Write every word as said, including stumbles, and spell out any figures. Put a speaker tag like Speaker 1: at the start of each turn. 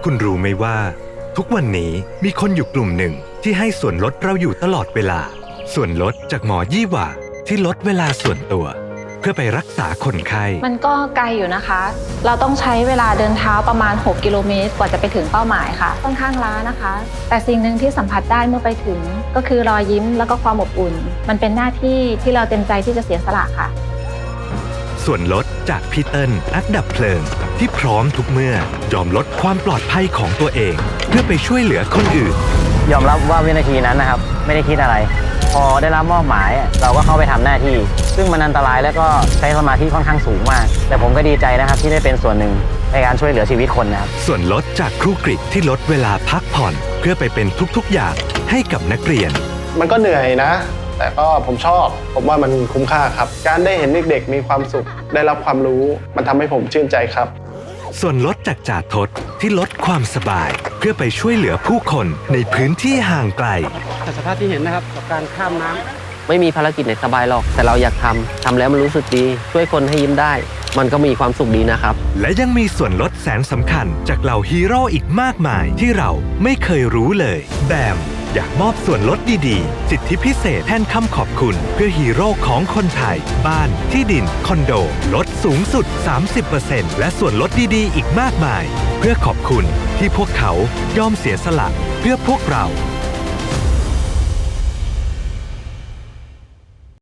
Speaker 1: คุณรู้ไหมว่าทุกวันนี้มีคนอยู่กลุ่มหนึ่งที่ให้ส่วนลดเราอยู่ตลอดเวลาส่วนลดจากหมอยี่หว่าที่ลดเวลาส่วนตัวเพื่อไปรักษาคนไข้
Speaker 2: มันก็ไกลอยู่นะคะเราต้องใช้เวลาเดินเท้าประมาณหกกิโลเมตรกว่าจะไปถึงเป้าหมายค่ะค่อนข้างล้านะคะแต่สิ่งหนึ่งที่สัมผัสได้เมื่อไปถึงก็คือรอยยิ้มแล้วก็ความอบอุ่นมันเป็นหน้าที่ที่เราเต็มใจที่จะเสียสละค่ะ
Speaker 1: ส่วนลดจากพี่เติ้ลนักดับเพลิงที่พร้อมทุกเมื่อยอมลดความปลอดภัยของตัวเองเพื่อไปช่วยเหลือคนอื่น
Speaker 3: ยอมรับว่าวินาทีนั้นนะครับไม่ได้คิดอะไรพอได้รับมอบหมายเราก็เข้าไปทำหน้าที่ซึ่งมันอันตรายและก็ใช้สมาธิค่อนข้างสูงมากแต่ผมก็ดีใจนะครับที่ได้เป็นส่วนหนึ่งในการช่วยเหลือชีวิตคนนะครับ
Speaker 1: ส่วนลดจากครูกริที่ลดเวลาพักผ่อนเพื่อไปเป็นทุกๆอย่างให้กับนักเรียน
Speaker 4: มันก็เหนื่อยนะแต่ก็ผมชอบผมว่ามันคุ้มค่าครับการได้เห็นเด็กๆมีความสุขได้รับความรู้มันทำให้ผมชื่นใจครับ
Speaker 1: ส่วนลดจากจ่าทศที่ลดความสบายเพื่อไปช่วยเหลือผู้คนในพื้นที่ห่างไกล
Speaker 5: สภาพที่เห็นนะครับกับการข้ามน้
Speaker 6: ำไม่มีภารกิจไหนสบายหรอกแต่เราอยากทำทำแล้วมันรู้สึกดีช่วยคนให้ยิ้มได้มันก็มีความสุขดีนะครับ
Speaker 1: และยังมีส่วนลดแสนสำคัญจากเหล่าฮีโร่อีกมากมายที่เราไม่เคยรู้เลยแบมอยากมอบส่วนลดดีๆสิทธิพิเศษแทนคำขอบคุณเพื่อฮีโร่ของคนไทยบ้านที่ดินคอนโดลดสูงสุด สามสิบเปอร์เซ็นต์ และส่วนลดดีๆอีกมากมายเพื่อขอบคุณที่พวกเขายอมเสียสละเพื่อพวกเรา